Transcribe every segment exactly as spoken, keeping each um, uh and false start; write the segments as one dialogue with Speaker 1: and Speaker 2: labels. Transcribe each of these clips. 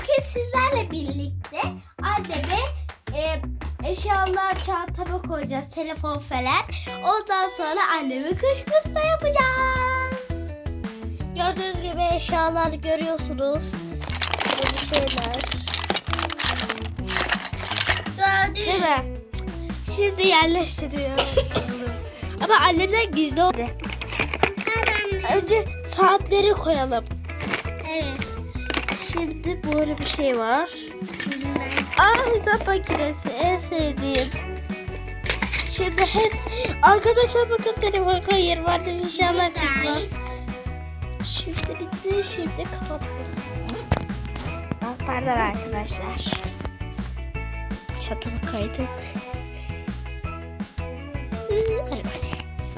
Speaker 1: Bugün sizlerle birlikte anneme e, eşyalar çantama koyacağız. Telefon falan. Ondan sonra anneme kışkırtma yapacağız. Gördüğünüz gibi eşyalar görüyorsunuz. Böyle şeyler. Değil mi? Şimdi yerleştiriyorum. Ama annemden gizli oldu. Önce saatleri koyalım. Evet. Şimdi böyle bir şey var. Aa, hesap makinesi en sevdiğim. Şimdi hepsi... Arkadaşlar bakın telefon koyuyorum. Artık inşallah kızmaz. Şimdi bitti. Şimdi kapatalım. Ah, pardon arkadaşlar. Çantamı kaydık. Hadi hadi.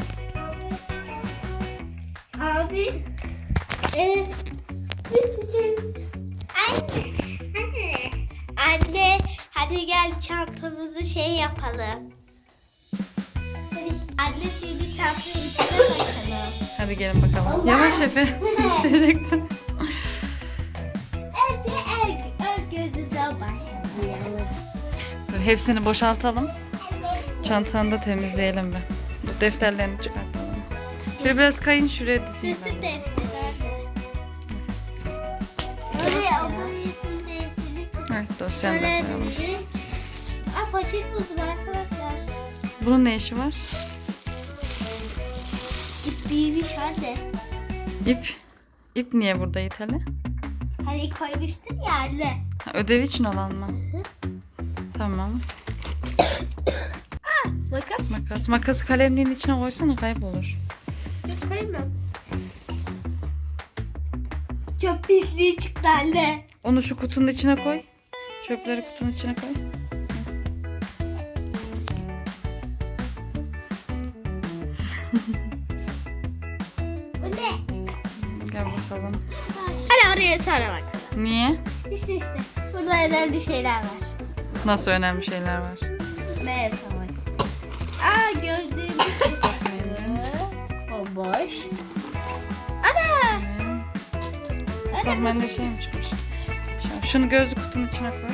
Speaker 1: Abi. Evet. Anne. Anne. Anne. Hadi gel çantamızı şey yapalım. Anne şimdi çantanın içine bakalım.
Speaker 2: Hadi gelin bakalım. Yavaş Efe. Düşecektin.
Speaker 1: Önce el, ön gözünden başlayalım.
Speaker 2: Dur, hepsini boşaltalım. Çantanı da temizleyelim bir. Bu defterlerini çıkartalım. Şöyle biraz kayın şuraya dizeyim.
Speaker 1: Resim defteri anne. Oraya o resim defteri.
Speaker 2: Evet, dosyanı da
Speaker 1: Şöyle
Speaker 2: koyalım.
Speaker 1: bir- Aa, poşet buldum arkadaşlar.
Speaker 2: Bunun ne işi var?
Speaker 1: İp büyümüş anne.
Speaker 2: İp. İp niye burada Yiğit'le?
Speaker 1: Hani koymuştun ya anne.
Speaker 2: Ha, ödev için olan mı? Tamam.
Speaker 1: Aa, makas.
Speaker 2: Makas. Makası kalemliğin içine koysana, kaybolur.
Speaker 1: Yok koymam. Çok pisliği çıktı anne.
Speaker 2: Onu şu kutunun içine koy. Çöpleri kutunun içine koy.
Speaker 1: Bu ne?
Speaker 2: Gel bakalım.
Speaker 1: Hadi oraya sonra bakalım.
Speaker 2: Niye?
Speaker 1: İşte işte. Burada önemli şeyler var.
Speaker 2: Nasıl önemli şeyler var?
Speaker 1: Ne savaş? Aa, gördüğümüz gibi. O boş. Ana!
Speaker 2: Sen bende şey mi çıkmış? Şu- Şunu gözlük kutunun içine koy.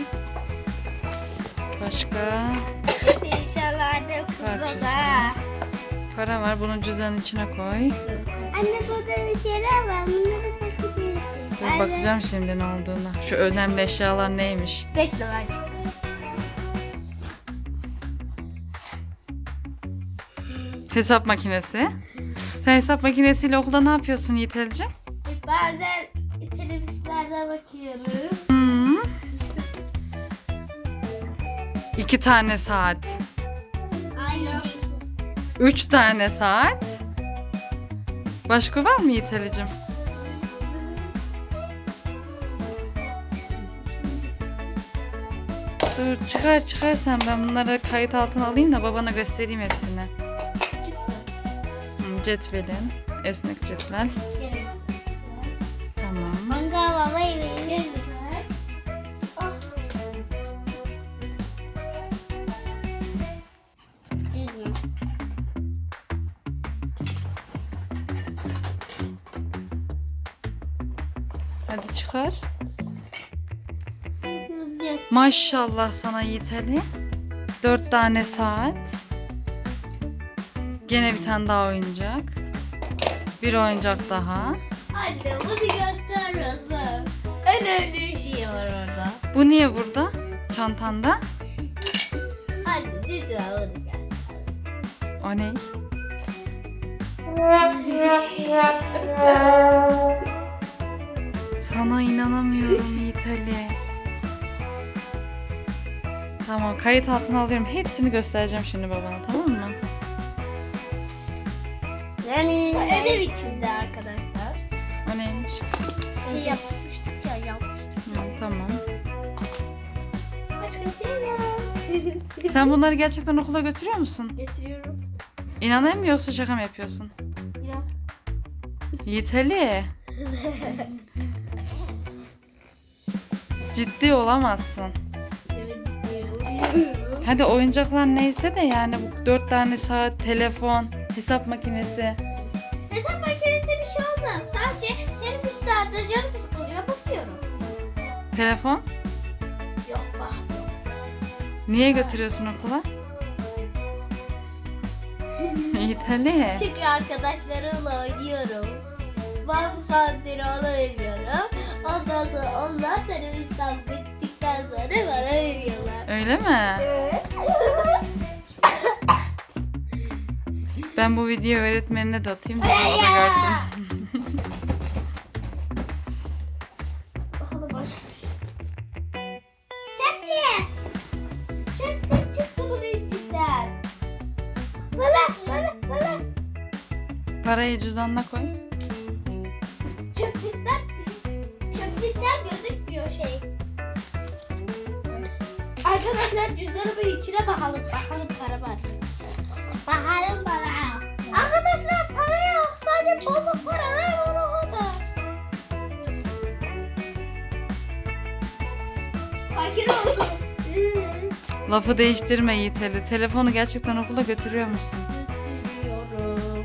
Speaker 2: Başka
Speaker 1: İnşallah annem kızı
Speaker 2: Parça.
Speaker 1: da.
Speaker 2: para var. Bunun cüzdanın içine koy.
Speaker 1: Anne burada bir şeyler var. Bunları bakabilirsin.
Speaker 2: Dur, bakacağım şimdi ne olduğuna. Şu önemli eşyalar neymiş?
Speaker 1: Bekle var.
Speaker 2: Hesap makinesi. Sen hesap makinesiyle okulda ne yapıyorsun Yiğitelciğim?
Speaker 1: Bazen televizyonlarda bakıyorum.
Speaker 2: Hmm. İki tane saat.
Speaker 1: Aynen.
Speaker 2: Üç tane saat. Başka var mı Yiğitelciğim? Dur, çıkar çıkar sen, ben bunları kayıt altına alayım da babana göstereyim hepsini. Hmm, Cetvelin, esnek cetvel. Tamam.
Speaker 1: Mangal babayı verir mi?
Speaker 2: Hadi çıkar. Maşallah sana Yiğit Ali. Dört tane saat. Gene bir tane daha oyuncak. Bir oyuncak daha.
Speaker 1: Anne bunu göstermiyorsun. Önemli bir şey var orada.
Speaker 2: Bu niye burada? Çantanda.
Speaker 1: Anne lütfen bunu göster.
Speaker 2: O ne? Sana inanamıyorum Yiğit Ali. Tamam, kayıt altına alıyorum. Hepsini göstereceğim şimdi babana, tamam mı?
Speaker 1: Yani ödev içinde arkadaşlar.
Speaker 2: O neymiş?
Speaker 1: Şey yapmıştık ya yapmıştık.
Speaker 2: Hı, tamam.
Speaker 1: Başka bir şey ya.
Speaker 2: Sen bunları gerçekten okula götürüyor musun?
Speaker 1: Getiriyorum.
Speaker 2: İnanayım mı yoksa şaka mı yapıyorsun?
Speaker 1: Ya.
Speaker 2: Yiğit Ali. Ciddi olamazsın. Hadi oyuncaklar neyse de yani bu dört tane saat, telefon, hesap makinesi.
Speaker 1: Hesap makinesi bir şey olmaz. Sadece teneffüslerde canım sıkılıyor bakıyorum.
Speaker 2: Telefon? Niye götürüyorsun okula? Yiğit Ali.
Speaker 1: Çünkü arkadaşlarımla oynuyorum. Bazı saatleri ona veriyorum. Ondan sonra onlar televizyon bittikten sonra bana veriyorlar.
Speaker 2: Öyle mi?
Speaker 1: Evet.
Speaker 2: Ben bu videoyu öğretmenine de atayım da o da görsün.
Speaker 1: Bakalım başka bir şey. Çöpli. Çöpli çıktı bunun içinden. Bana, bana, bana.
Speaker 2: Parayı cüzdanına koy.
Speaker 1: Çöplükten, çöplükten gözükmüyor şey. Arkadaşlar cüzdanımın içine bakalım. Bakalım para var. Bakalım para. Arkadaşlar para yok. Sadece bozuk paralar var o kadar. Fakir oldum.
Speaker 2: Lafı değiştirme Yiğit Ali. Telefonu gerçekten okula götürüyor musun?
Speaker 1: Götürüyorum.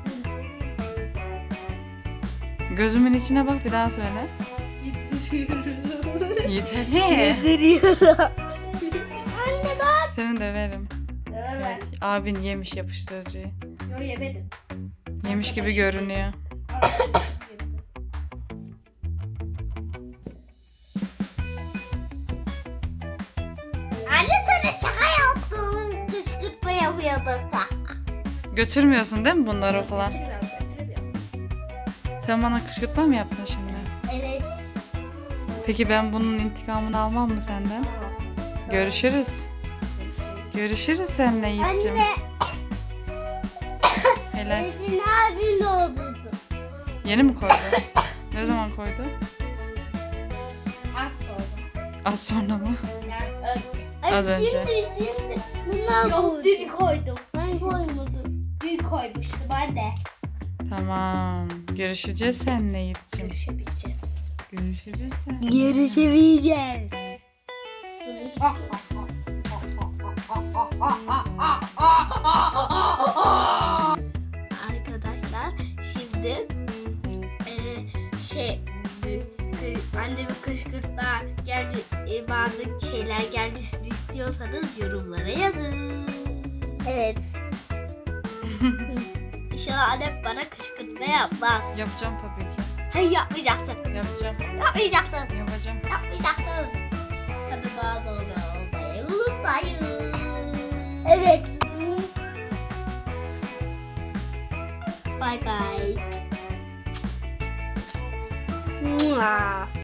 Speaker 2: Gözümün içine bak, bir daha söyle.
Speaker 1: Getiriyorum.
Speaker 2: Yiğit Ali.
Speaker 1: Getiriyorum. Anne bak.
Speaker 2: Seni döverim.
Speaker 1: Evet.
Speaker 2: Abin yemiş yapıştırıcıyı.
Speaker 1: Yok yemedim.
Speaker 2: Yemiş gibi görünüyor.
Speaker 1: Anne sana şaka yaptım. Kışkırtma yapıyorduk.
Speaker 2: Götürmüyorsun değil mi bunları okula? Sen bana kışkırtma mı yaptın şimdi?
Speaker 1: Evet.
Speaker 2: Peki ben bunun intikamını almam mı senden? Görüşürüz. Görüşürüz seninle Yiğit'cim.
Speaker 1: Anne.
Speaker 2: Helal.
Speaker 1: Ezin abin oldu.
Speaker 2: Yeni mi koydu? Ne zaman koydu?
Speaker 1: Az sonra.
Speaker 2: Az sonra mı?
Speaker 1: Yani
Speaker 2: Az önce.
Speaker 1: Şimdi şimdi. Bunlar Yok dün koydum. Ben koymadım. Dün koymuştum anne.
Speaker 2: Tamam. Görüşeceğiz seninle Yiğit'cim.
Speaker 1: Görüşebileceğiz.
Speaker 2: Görüşürüz seninle.
Speaker 1: Görüşebileceğiz. Arkadaşlar şimdi eee, şey e, kı- annemin kışkırtma geldi e, bazı şeyler gelmesini istiyorsanız yorumlara yazın. Evet. İnşallah annem bana kışkırtma yapmaz.
Speaker 2: Yapacağım tabii ki.
Speaker 1: Hayır yapmayacaksın.
Speaker 2: Yapacağım.
Speaker 1: Yapmayacaksın.
Speaker 2: Yapacağım.
Speaker 1: Yapmayacaksın. Kanalıma abone olmayı unutmayın. Evet. Bye bye. Mua.